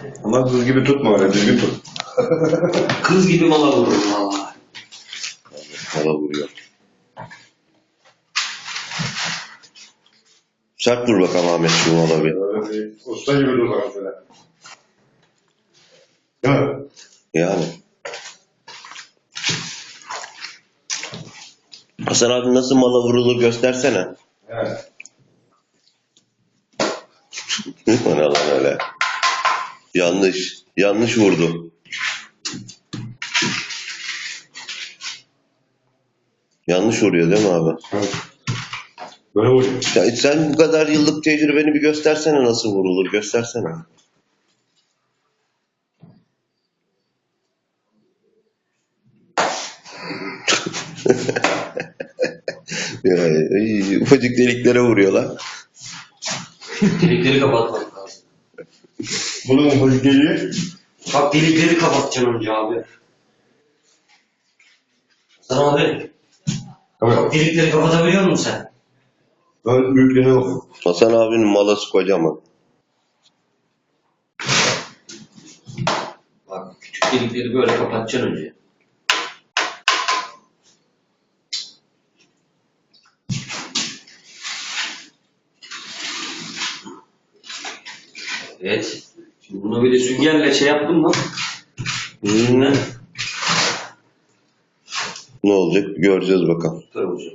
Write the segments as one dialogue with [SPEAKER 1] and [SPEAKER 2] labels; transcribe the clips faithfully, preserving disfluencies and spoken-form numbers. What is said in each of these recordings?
[SPEAKER 1] Ama kız gibi tutma öyle, düzgün tut.
[SPEAKER 2] Kız gibi mala vururum valla.
[SPEAKER 3] Mala vuruyor. Sert dur bakalım Ahmet şu mala bir.
[SPEAKER 1] Öyle bir usta gibi dur bakalım şöyle. Değil mi?
[SPEAKER 3] Yani. Hasan abi nasıl mala vurulur göstersene.
[SPEAKER 1] Evet.
[SPEAKER 3] O ne lan öyle. Yanlış. Yanlış vurdu. Yanlış vuruyor değil mi abi?
[SPEAKER 1] Evet. Böyle vuruyor.
[SPEAKER 3] Ya sen bu kadar yıllık tecrübeni bir göstersene nasıl vurulur. Göstersene. Ya, ay, ufacık deliklere vuruyorlar.
[SPEAKER 2] Delikleri kapatmak lazım.
[SPEAKER 1] Bunun ufacık geliyor.
[SPEAKER 2] Bak delikleri kapatacaksın önce abi. Sana abi.
[SPEAKER 1] Evet.
[SPEAKER 2] Bak delikleri kapatabiliyor musun sen?
[SPEAKER 1] Ben büyüklüğüne bakıyorum.
[SPEAKER 3] Hasan abinin malası kocaman.
[SPEAKER 2] Bak küçük delikleri böyle kapatacaksın önce. Evet. Şimdi bunu böyle süngerle şey yaptın mı?
[SPEAKER 3] Hmm. Ne olacak göreceğiz bakalım.
[SPEAKER 2] Tutar hocam.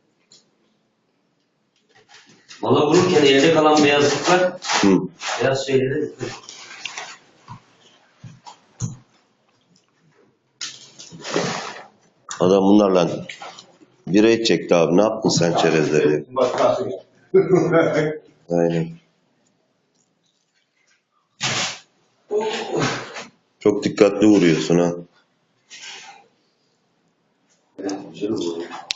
[SPEAKER 2] Mala vururken elde kalan beyazlıklar
[SPEAKER 3] Hı.
[SPEAKER 2] beyaz şeyleri
[SPEAKER 3] Adam bunlarla bira çekti abi. Ne yaptın sen çerezleri?
[SPEAKER 1] Bak kalsın ya.
[SPEAKER 3] Aynen. Çok dikkatli vuruyorsun ha.
[SPEAKER 2] evet, güzel oluyor.